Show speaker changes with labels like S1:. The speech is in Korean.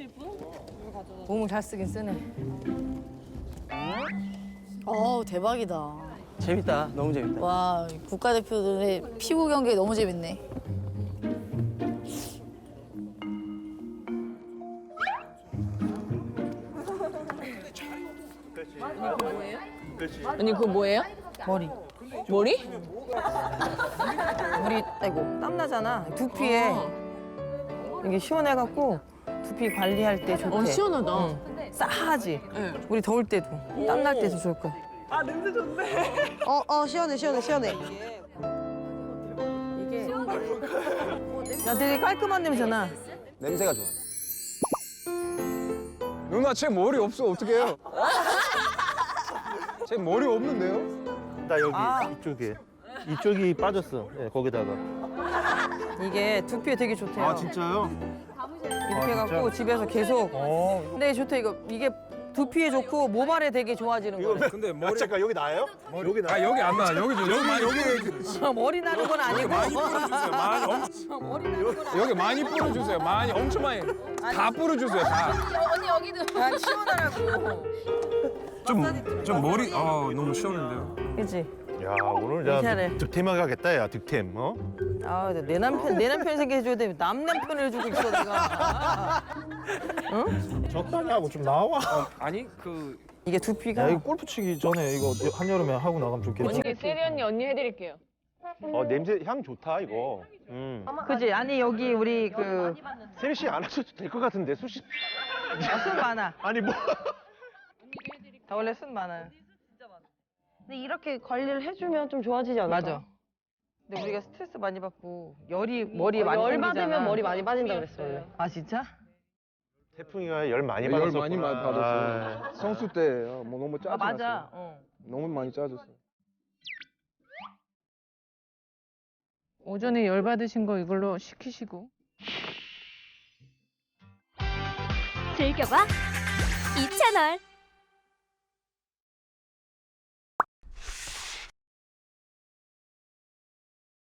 S1: 몸을 잘 쓰긴 쓰네. 대박이다.
S2: 재밌다. 너무 재밌다.
S1: 와, 국가대표들의 피구 경기 너무 재밌네.
S3: 언니 그거 뭐예요?
S1: 머리.
S3: 머리?
S1: 머리, 아이고, 땀나잖아. 두피에 이게 시원해갖고 두피 관리할 때 좋대.
S3: 시원하다.
S1: 싸하지?
S3: 네.
S1: 우리 더울 때도, 땀날 때도 좋을 거야.
S4: 시원해, 시원해, 시원해.
S1: 이게 야, 되게 깔끔한 냄새나.
S2: 냄새가 좋아.
S5: 누나 제 머리 없어 어떡해요? 제 머리 없는데요?
S6: 나 여기 이쪽에 이쪽이 빠졌어. 예, 거기다가.
S1: 이게 두피에 되게 좋대요.
S6: 아 진짜요?
S1: 이렇게 해갖고 집에서 계속. 근데 좋대, 이게 두피에 좋고 모발에 되게 좋아지는 거래.
S5: 근데 머리
S6: 잠깐 여기 나요? 여기 나.
S5: 아 여기 안 나. 여기 여기
S1: 머리 나는 건 아니고.
S5: 많이 뿌려주세요. 여기 많이 뿌려주세요. 많이 엄청 많이 다 뿌려주세요. 다.
S1: 난 시원하라고.
S5: 좀 머리 너무 시원한데요.
S1: 그치?
S6: 야 오늘
S1: 이렇게
S6: 야
S1: 하래.
S6: 득템하게 하겠다 야 득템. 어?
S1: 아, 내 남편 생겨 해줘야 돼. 남 남편을 해주고 있어, 내가.
S6: 적당히 하고 좀 나와.
S5: 아니 그
S1: 이게 두피가.
S6: 야 이거 골프 치기 전에 이거 한여름에 하고 나가면 좋겠다.
S3: 언니 세리 언니 해드릴게요.
S6: 냄새 향 좋다 이거.
S1: 그지? 아니, 여기 우리
S6: 세리 씨 안 하셔도 될 것 같은데 수시.
S1: 순 많아.
S6: 아니 뭐.
S1: 다 원래 순 많아요.
S4: 근데 이렇게 관리를 해주면 좀 좋아지지 않을까?
S1: 맞아. 근데 우리가 스트레스 많이 받고 머리에 많이
S4: 열
S1: 생기잖아.
S4: 받으면 머리 많이 빠진다 그랬어 원래.
S1: 아, 진짜?
S6: 태풍이가 열 많이
S5: 열
S6: 받았었구나.
S5: 많이 받았어요. 성수 때 뭐 너무 짜증
S1: 아, 맞아.
S5: 났어요. 너무 많이 짜졌어요.
S3: 오전에 열 받으신 거 이걸로 식히시고.
S7: 즐겨봐 이 채널.